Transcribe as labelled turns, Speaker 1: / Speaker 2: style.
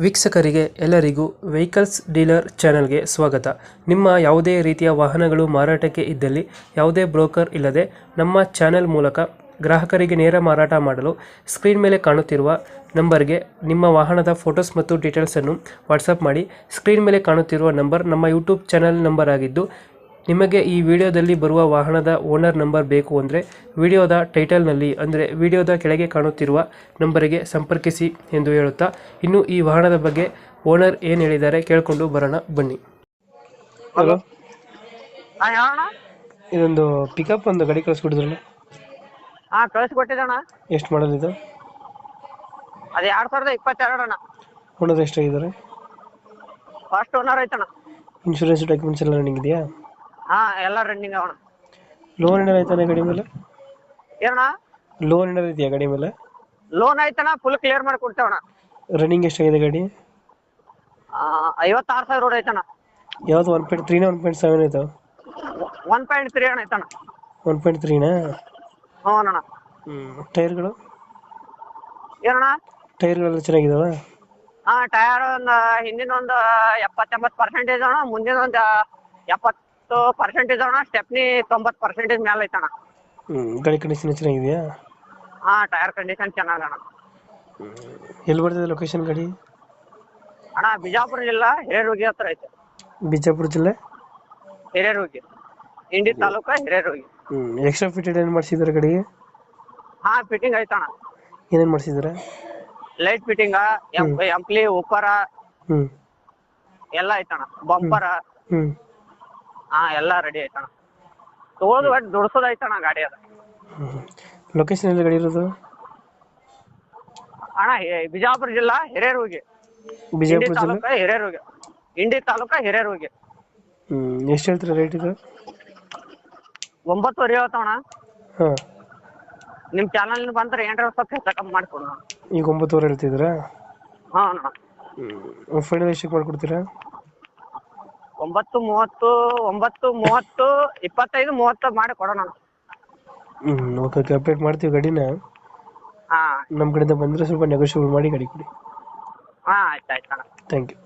Speaker 1: ವೀಕ್ಷಕರಿಗೆ ಎಲ್ಲರಿಗೂ vehicles dealer ಚಾನೆಲ್ಗೆ ಸ್ವಾಗತ. ನಿಮ್ಮ ಯಾವುದೇ ರೀತಿಯ ವಾಹನಗಳು ಮಾರಾಟಕ್ಕೆ ಇದ್ದಲ್ಲಿ ಯಾವುದೇ ಬ್ರೋಕರ್ ಇಲ್ಲದೆ ನಮ್ಮ ಚಾನೆಲ್ ಮೂಲಕ ಗ್ರಾಹಕರಿಗೆ ನೇರ ಮಾರಾಟ ಮಾಡಲು ಸ್ಕ್ರೀನ್ ಮೇಲೆ ಕಾಣುತ್ತಿರುವ ನಂಬರ್ಗೆ ನಿಮ್ಮ ವಾಹನದ ಫೋಟೋಸ್ ಮತ್ತು ಡೀಟೇಲ್ಸನ್ನು ವಾಟ್ಸಪ್ ಮಾಡಿ. ಸ್ಕ್ರೀನ್ ಮೇಲೆ ಕಾಣುತ್ತಿರುವ ನಂಬರ್ ನಮ್ಮ ಯೂಟ್ಯೂಬ್ ಚಾನೆಲ್ ನಂಬರ್ ಆಗಿದ್ದು, ನಿಮಗೆ ಈ ವಿಡಿಯೋದಲ್ಲಿ ಬರುವ ವಾಹನದ ಓನರ್ ನಂಬರ್ ಬೇಕು ಅಂದರೆ ವಿಡಿಯೋದ ಟೈಟಲ್ನಲ್ಲಿ ಅಂದರೆ ವಿಡಿಯೋದ ಕೆಳಗೆ ಕಾಣುತ್ತಿರುವ ನಂಬರಿಗೆ ಸಂಪರ್ಕಿಸಿ ಎಂದು ಹೇಳುತ್ತಾ, ಇನ್ನು ಈ ವಾಹನದ ಬಗ್ಗೆ ಓನರ್ ಏನು ಹೇಳಿದ್ದಾರೆ ಕೇಳಿಕೊಂಡು ಬರೋಣ ಬನ್ನಿ. ಹಲೋ, ಇದೊಂದು ಪಿಕಪ್ ಒಂದು ಗಾಡಿ ಕಳಿಸ್ಕೊಟ್ಟಿದ್ರಲ್ಲ?
Speaker 2: ಹಾ, ಕಳಿಸ್ಕೊಟ್ಟಿದ್ದಣ್ಣ.
Speaker 1: ಎಷ್ಟು ಮಾಡಲ್ ಇದು?
Speaker 2: ಅದು 2022 ಅಣ್ಣ.
Speaker 1: ಓನರ್ ಎಷ್ಟಾಗಿದ್ದಾರೆ?
Speaker 2: ಫಸ್ಟ್ ಓನರ್ ಐತಣ್ಣ.
Speaker 1: ಇನ್ಶೂರೆನ್ಸ್ ಡಾಕ್ಯುಮೆಂಟ್ಸ್ ಎಲ್ಲ ರನ್ನಿಂಗ್ ಇದೆಯಾ?
Speaker 2: ಹಾ, ಎಲ್ಲ ರನ್ನಿಂಗ್ ಅವಣ.
Speaker 1: ಲೋನ್ ಏನಾರು ಐತಾನೆ ಗಾಡಿ ಮೇಲೆ?
Speaker 2: ಏನಣ್ಣ?
Speaker 1: ಲೋನ್ ಏನಾರು ಇದೆಯಾ ಗಾಡಿ ಮೇಲೆ?
Speaker 2: ಲೋನ್ ಐತಣ್ಣ, ಫುಲ್ ಕ್ಲಿಯರ್ ಮಾಡಿ ಕೊಡ್ತೇವಣ್ಣ.
Speaker 1: ರನ್ನಿಂಗ್ ಎಷ್ಟಾಗಿದೆ ಗಾಡಿ?
Speaker 2: 56,000 ರೋಡ್ ಐತಣ್ಣ.
Speaker 1: ಯಾವ್ದು 1.3 1.7 ಆಯ್ತು?
Speaker 2: 1.3 ಅಣ್ಣ ಐತಣ್ಣ.
Speaker 1: 1.3ನಾ?
Speaker 2: ಹ್ಞೂ ಅಣ್ಣ.
Speaker 1: ಟೈರ್ಗಳು?
Speaker 2: ಏನಣ್ಣ?
Speaker 1: ಟೈರ್ಗಳೆಲ್ಲ ಚೆನ್ನಾಗಿದಾವ?
Speaker 2: ಹಾ, ಟೈರ್ ಹಿಂದಿನ ಒಂದು 70-80% ಅಣ್ಣ, ಮುಂದಿನ ಒಂದು 70% ಅಣ್ಣ. ಸ್ಟೆಪ್ನಿ 90% ಮೇಲೆ ಐತಣ್ಣ.
Speaker 1: ಗಾಡಿ ಕಂಡೀಷನ್ ಚೆನ್ನಾಗಿದೆಯಾ?
Speaker 2: ಹಾ, ಟೈರ್ ಕಂಡೀಷನ್ ಚೆನ್ನಾಗಣ್ಣ.
Speaker 1: ಎಲ್ಲಿ ಬರ್ತದೆ ಲೊಕೇಶನ್ ಗಾಡಿ?
Speaker 2: ಅಣ್ಣ, ಬಿಜಾಪುರ ಜಿಲ್ಲಾ ಹಿರೇರುಗಿ ಹತ್ರ ಐತೆ.
Speaker 1: ಬಿಜಾಪುರ ಜಿಲ್ಲೆ
Speaker 2: ಹಿರೇರುಗಿ, ಇಂಡಿ ತಾಲೂಕ ಹಿರೇರುಗಿ.
Speaker 1: ಎಕ್ಸ್ಟ್ರಾ ಫಿಟೆಡ್ ಏನು ಮಾಡಿಸಿದಾರೆ ಗಾಡಿಗೆ?
Speaker 2: ಹಾ, ಫಿಟ್ಟಿಂಗ್ ಐತಣ್ಣ.
Speaker 1: ಏನೇನು ಮಾಡಿಸಿದಾರೆ?
Speaker 2: ಲೈಟ್ ಫಿಟ್ಟಿಂಗ್, ಎಂಪ್ಲಿ, ಉಪ್ಪರ ಎಲ್ಲ ಐತಣ್ಣ. ಬಂಪರ ಹಾ, ಎಲ್ಲ ರೆಡಿ ಐತಣ್ಣ. ತಗೊಳೋದು ಒಟ್ಟು ದುಡ್ಸೋದು ಐತಣ್ಣ ಗಾಡಿ ಅದ.
Speaker 1: ಲೊಕೇಶನ್ ಎಲ್ಲಿ ಗಾಡಿ ಇರೋದು?
Speaker 2: ಅಣ್ಣ, ಬಿಜಾಪುರ ಜಿಲ್ಲಾ ಹಿರೇರುಗಿ, ಇಂಡಿ
Speaker 1: ಬಿಜಾಪುರ ಜಿಲ್ಲೆ
Speaker 2: ತಾಲೂಕ ಹಿರೇರುಗಿ, ಇಂಡಿ ತಾಲೂಕ ಹಿರೇರುಗಿ.
Speaker 1: ಎಷ್ಟು ಹೇಳ್ತೀರಾ ರೇಟ್ ಇದು?
Speaker 2: 9.5 ಹೇಳ್ತಾವಣ್ಣ.
Speaker 1: ಹಾಂ,
Speaker 2: ನಿಮ್ ಚಾನಲ್ ಬಂದ್ರೆ ಏನಾರ ಸ್ವಲ್ಪ ಹೆಚ್ಚು ಕಮ್ಮಿ ಮಾಡ್ಕೊಡೋಣ.
Speaker 1: ಈಗ 9.5 ಹೇಳ್ತಿದ್ದೀರಾ?
Speaker 2: ಹಾ ಅಣ್ಣ.
Speaker 1: ಫೈನಲ್ ಎಷ್ಟಕ್ಕೆ ಮಾಡ್ಕೊಡ್ತೀರಾ?
Speaker 2: 9:30, 9:30, 25-30 ಮಾಡಿ ಕೊಡೋಣ.
Speaker 1: ಓಕೆ, ಅಪ್ಡೇಟ್ ಮಾಡ್ತೀವಿ ಗಾಡಿನ.
Speaker 2: ಹಾ,
Speaker 1: ನಮ್ಮ ಕಡೆಯಿಂದ ಬಂದರೆ ಸ್ವಲ್ಪ ನೆಗೋಷಿಯೇಟ್ ಮಾಡಿ ಗಾಡಿ ಕೊಡಿ.
Speaker 2: ಹಾ, ಆಯ್ತು ಅಣ್ಣ.
Speaker 1: Thank you.